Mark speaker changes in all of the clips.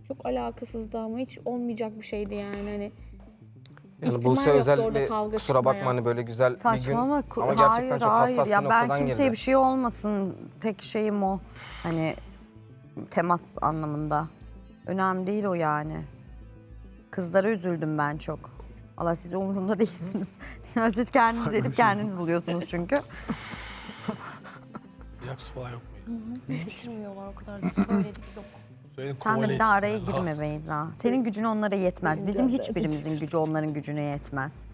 Speaker 1: Çok alakasızdı ama hiç olmayacak bir şeydi yani hani.
Speaker 2: Yani
Speaker 1: İhtimal
Speaker 2: Buse
Speaker 1: yoktu
Speaker 2: özel
Speaker 1: orada
Speaker 2: bir
Speaker 1: kavga
Speaker 2: kusura bakma
Speaker 1: çıkmaya.
Speaker 2: hani böyle güzel bir gün
Speaker 3: Saçmalama.
Speaker 2: ama gerçekten çok hassas
Speaker 3: Ya
Speaker 2: bir
Speaker 3: ben
Speaker 2: noktadan
Speaker 3: kimseye
Speaker 2: girdi.
Speaker 3: bir şey olmasın. Tek şeyim o. Hani temas anlamında. Önemli değil o yani. Kızlara üzüldüm ben çok. Allah siz umurumda değilsiniz. Ya siz kendiniz edip kendiniz buluyorsunuz çünkü.
Speaker 4: Yapsı falan yok mu?
Speaker 5: Getirmiyorlar o kadar da söyledik yok.
Speaker 4: Söyledim,
Speaker 3: Sen de
Speaker 4: kovale
Speaker 3: bir daha
Speaker 4: etsin
Speaker 3: araya
Speaker 4: yani,
Speaker 3: girme
Speaker 4: has.
Speaker 3: Beyza. Senin gücün onlara yetmez. Bizim hiçbirimizin gücü onların gücüne yetmez.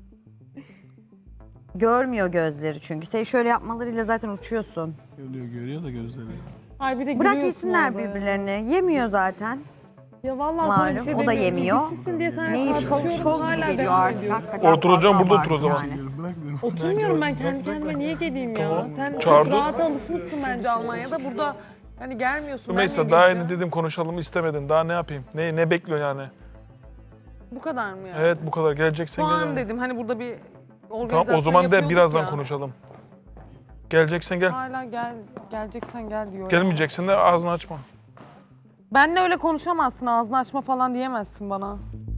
Speaker 3: Görmüyor gözleri çünkü. Sen şöyle yapmalarıyla zaten uçuyorsun.
Speaker 4: Görüyor da gözleri.
Speaker 6: Ay bir de
Speaker 3: Bırak
Speaker 6: gülüyorsun
Speaker 3: yesinler
Speaker 6: orada ya.
Speaker 3: birbirlerini. Yemiyor zaten.
Speaker 6: Ya vallahi sana bir
Speaker 3: Malum,
Speaker 6: şey
Speaker 3: o da
Speaker 6: demiyorum.
Speaker 3: yemiyor.
Speaker 6: İlgisizsin diye sana
Speaker 3: Neyi çok
Speaker 6: tartışıyorum,
Speaker 3: çok
Speaker 6: hala
Speaker 3: geliyor
Speaker 6: devam
Speaker 3: artık.
Speaker 6: ediyorsun.
Speaker 3: Hakikaten
Speaker 7: Oturacağım,
Speaker 3: fazla
Speaker 7: burada otur o
Speaker 3: abartı
Speaker 7: zaman.
Speaker 3: yani.
Speaker 4: Bırak dedim.
Speaker 6: Oturmuyorum ben kendi kendime niye geleyim ya? Sen
Speaker 7: Çağırdı.
Speaker 6: çok rahat alışmışsın bence Almanya'da. Burada hani gelmiyorsun.
Speaker 7: Mesela
Speaker 6: ben
Speaker 7: daha
Speaker 6: niye
Speaker 7: yeni
Speaker 6: geleceğim?
Speaker 7: dedim konuşalım istemedin. Daha ne yapayım? Ne bekliyorsun yani?
Speaker 6: Bu kadar mı yani?
Speaker 7: Evet bu kadar. Geleceksen
Speaker 6: Puan
Speaker 7: gel.
Speaker 6: dedim hani burada bir organizasyon
Speaker 7: Tamam o zaman de
Speaker 6: yapıyorduk
Speaker 7: birazdan
Speaker 6: ya.
Speaker 7: konuşalım. Geleceksen gel.
Speaker 6: Hala geleceksen gel diyor. ya.
Speaker 7: Gelmeyeceksen de ağzını açma.
Speaker 6: Benle öyle konuşamazsın, ağzını açma falan diyemezsin bana.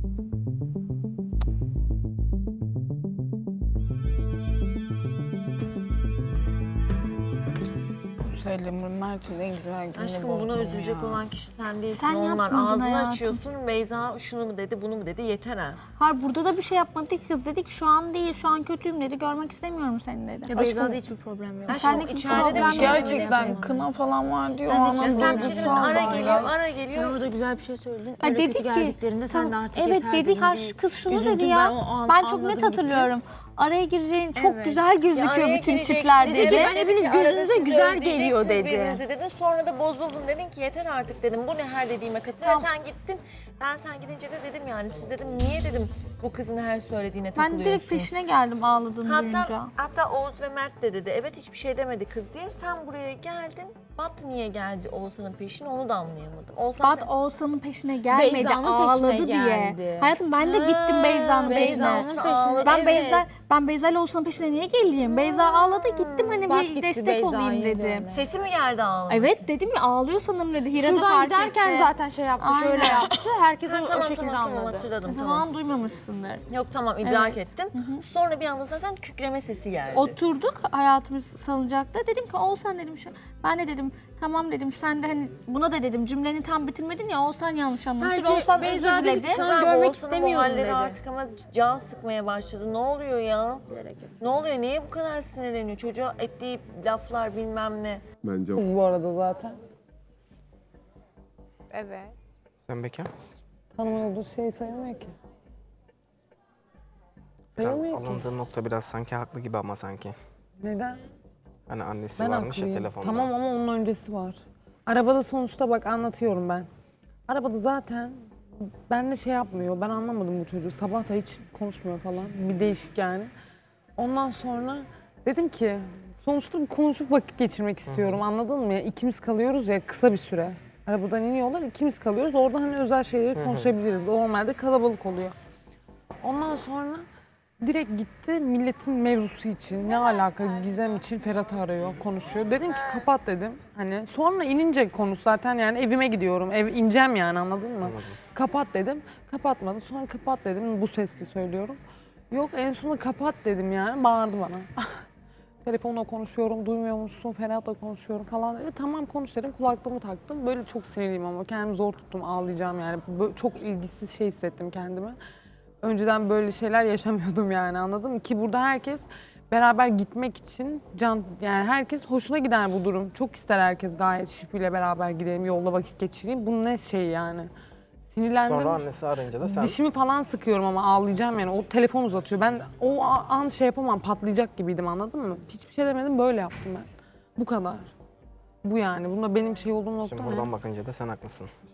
Speaker 8: Söyleyeyim Mert'in en güzel günü
Speaker 5: Aşkım
Speaker 8: bozdun
Speaker 5: buna üzülecek
Speaker 8: ya.
Speaker 5: olan kişi sen değilsin.
Speaker 1: Sen
Speaker 5: Onlar
Speaker 1: yapmadın
Speaker 5: ağzını
Speaker 1: hayatım.
Speaker 5: açıyorsun. Beyza şunu mu dedi, bunu mu dedi, yeter ha.
Speaker 1: Hayır burada da bir şey yapmadık kız dedik şu an değil şu an kötüyüm dedi görmek istemiyorum seni dedi.
Speaker 5: Ya Beyza'da hiçbir problem yok.
Speaker 1: Aşkım,
Speaker 5: Aşkım içeride de bir
Speaker 1: problem
Speaker 5: şey
Speaker 1: yok.
Speaker 8: Gerçekten kına falan var diyor.
Speaker 5: Sen de
Speaker 8: Anam
Speaker 5: Semçin'in
Speaker 8: duygusal
Speaker 5: ara
Speaker 8: da
Speaker 5: geliyor,
Speaker 8: ya.
Speaker 5: ara
Speaker 9: Sen
Speaker 5: geliyor.
Speaker 9: orada güzel bir şey söyledin.
Speaker 1: Ha,
Speaker 9: Öyle
Speaker 1: dedi
Speaker 9: kötü
Speaker 1: ki,
Speaker 9: geldiklerinde sen de artık
Speaker 1: evet
Speaker 9: yeter
Speaker 1: dedi
Speaker 9: dedin.
Speaker 1: her
Speaker 9: Bir
Speaker 1: kız şunu
Speaker 9: üzüldüm
Speaker 1: dedi
Speaker 9: ben,
Speaker 1: ya.
Speaker 9: o an
Speaker 1: Ben çok
Speaker 9: anladım
Speaker 1: net
Speaker 9: gitti.
Speaker 1: hatırlıyorum. Araya gireceğin çok
Speaker 9: Evet.
Speaker 1: güzel gözüküyor
Speaker 5: araya
Speaker 1: bütün
Speaker 5: gireceksin
Speaker 1: çiftler
Speaker 5: dedi.
Speaker 1: dedi.
Speaker 9: Ben hepiniz
Speaker 5: Arada
Speaker 9: gözünüze
Speaker 5: siz
Speaker 9: güzel
Speaker 5: özleyeceksiniz
Speaker 9: geliyor dedi.
Speaker 5: birbirinizi dedin. Sonra da bozuldun dedin ki yeter artık dedim. Bu ne her dediğime katılıyor.
Speaker 1: Tamam.
Speaker 5: Sen gittin. Ben sen gidince de dedim yani siz dedim niye dedim bu kızın her söylediğine
Speaker 1: Ben
Speaker 5: takılıyorsun.
Speaker 1: direkt peşine geldim ağladığını duyunca.
Speaker 5: Hatta Oğuz ve Mert de dedi. Evet hiçbir şey demedi kız diye. Sen buraya geldin. Bat niye geldi Oğuzhan'ın peşine onu da anlayamadım. Oğuzhan
Speaker 1: Bat Oğuzhan'ın peşine gelmedi
Speaker 9: Beyza'nın
Speaker 1: ağladı
Speaker 9: peşine
Speaker 1: diye.
Speaker 9: geldi.
Speaker 1: Hayatım ben de gittim Beyza'nın
Speaker 9: Beyza'nın
Speaker 1: peşine.
Speaker 9: peşine.
Speaker 1: Ben
Speaker 9: Evet.
Speaker 1: Ben Beyza ile Oğuzhan'ın peşine niye geleyim? Beyza ağladı gittim hani
Speaker 9: Bat
Speaker 1: bir
Speaker 9: gitti
Speaker 1: destek
Speaker 9: Beyza'yı
Speaker 1: olayım dedim.
Speaker 9: görmeye.
Speaker 5: sesi mi geldi ağlamak?
Speaker 1: Evet dedim ya ağlıyor sanırım dedi. Hira da
Speaker 9: Şuradan
Speaker 1: fark
Speaker 9: giderken
Speaker 1: etti.
Speaker 9: zaten şey yaptı, şöyle
Speaker 1: Aynen.
Speaker 9: yaptı. Herkes
Speaker 5: Ha,
Speaker 9: o şekilde anladı.
Speaker 5: hatırladım tamam.
Speaker 1: Tamam duymamışsındır.
Speaker 5: Yok tamam idrak
Speaker 1: Evet.
Speaker 5: ettim. Sonra bir anda zaten kükreme sesi geldi.
Speaker 1: Oturduk hayatımız salıncakta. Dedim ki Oğuzhan dedim şu. Ben de dedim tamam dedim sen de hani buna da dedim cümleni tam bitirmedin ya Oğuzhan yanlış anlamıştır.
Speaker 9: Sadece
Speaker 1: Oğuzhan
Speaker 9: Beyza
Speaker 1: özür
Speaker 9: dedi
Speaker 1: diledi.
Speaker 9: ki, şu an
Speaker 5: Kızlar,
Speaker 9: görmek
Speaker 5: Oğuzhan'ın
Speaker 9: istemiyorum
Speaker 5: muhalleri
Speaker 9: dedi.
Speaker 5: artık ama can sıkmaya başladı. Ne oluyor ya? Ne oluyor? Niye bu kadar sinirleniyor? Çocuğa ettiği laflar bilmem ne.
Speaker 10: Bence
Speaker 6: Kız bu arada zaten.
Speaker 8: Evet.
Speaker 2: Sen bekar mısın?
Speaker 6: Tanıma olduğu şey sayılmıyor ki.
Speaker 2: Biraz
Speaker 6: Sayılmıyor ki.
Speaker 2: alındığı nokta biraz sanki haklı gibi ama sanki.
Speaker 6: Neden?
Speaker 2: Hani annesi
Speaker 6: Ben
Speaker 2: varmış ya
Speaker 6: haklıyım.
Speaker 2: telefonda.
Speaker 6: Tamam ama onun öncesi var. Arabada sonuçta bak anlatıyorum ben. Arabada zaten benimle şey yapmıyor. Ben anlamadım bu çocuğu. Sabah da hiç konuşmuyor falan. Bir değişik yani. Ondan sonra dedim ki sonuçta bir konuşup vakit geçirmek istiyorum. Anladın mı? Ya, ikimiz kalıyoruz ya kısa bir süre. Arabadan iniyorlar ikimiz kalıyoruz. Orada hani özel şeyleri konuşabiliriz. Normalde kalabalık oluyor. Ondan sonra direkt gitti milletin mevzusu için ne alaka Gizem için Ferhat'ı arıyor konuşuyor. Dedim ki kapat dedim. Hani sonra inince konuş zaten yani evime gidiyorum. Ev ineceğim yani anladın mı? Kapat dedim. Kapatmadı. Sonra kapat dedim. Bu sesle söylüyorum. Yok en sonunda kapat dedim yani. Bağırdı bana. Telefonla konuşuyorum, duymuyor musun? Ferhat'la konuşuyorum falan dedi. Tamam konuş dedim. Kulaklığımı taktım. Böyle çok sinirliyim ama kendimi zor tuttum. Ağlayacağım yani. Böyle çok ilgisiz şey hissettim kendimi. Önceden böyle şeyler yaşamıyordum yani anladın mı? Ki burada herkes beraber gitmek için yani herkes hoşuna gider bu durum. Çok ister herkes gayet şipiyle beraber gidelim, yolda vakit geçireyim. Bu ne şey yani? Sinirlendim.
Speaker 2: Sonra annesi arayınca da sen...
Speaker 6: Dişimi falan sıkıyorum ama ağlayacağım yani. O telefon uzatıyor. Ben o an şey yapamam, patlayacak gibiydim anladın mı? Hiçbir şey demedim, böyle yaptım ben. Bu kadar. Bu yani. Bunda benim şey olduğum nokta
Speaker 2: Şimdi
Speaker 6: ne?
Speaker 2: buradan bakınca da sen haklısın.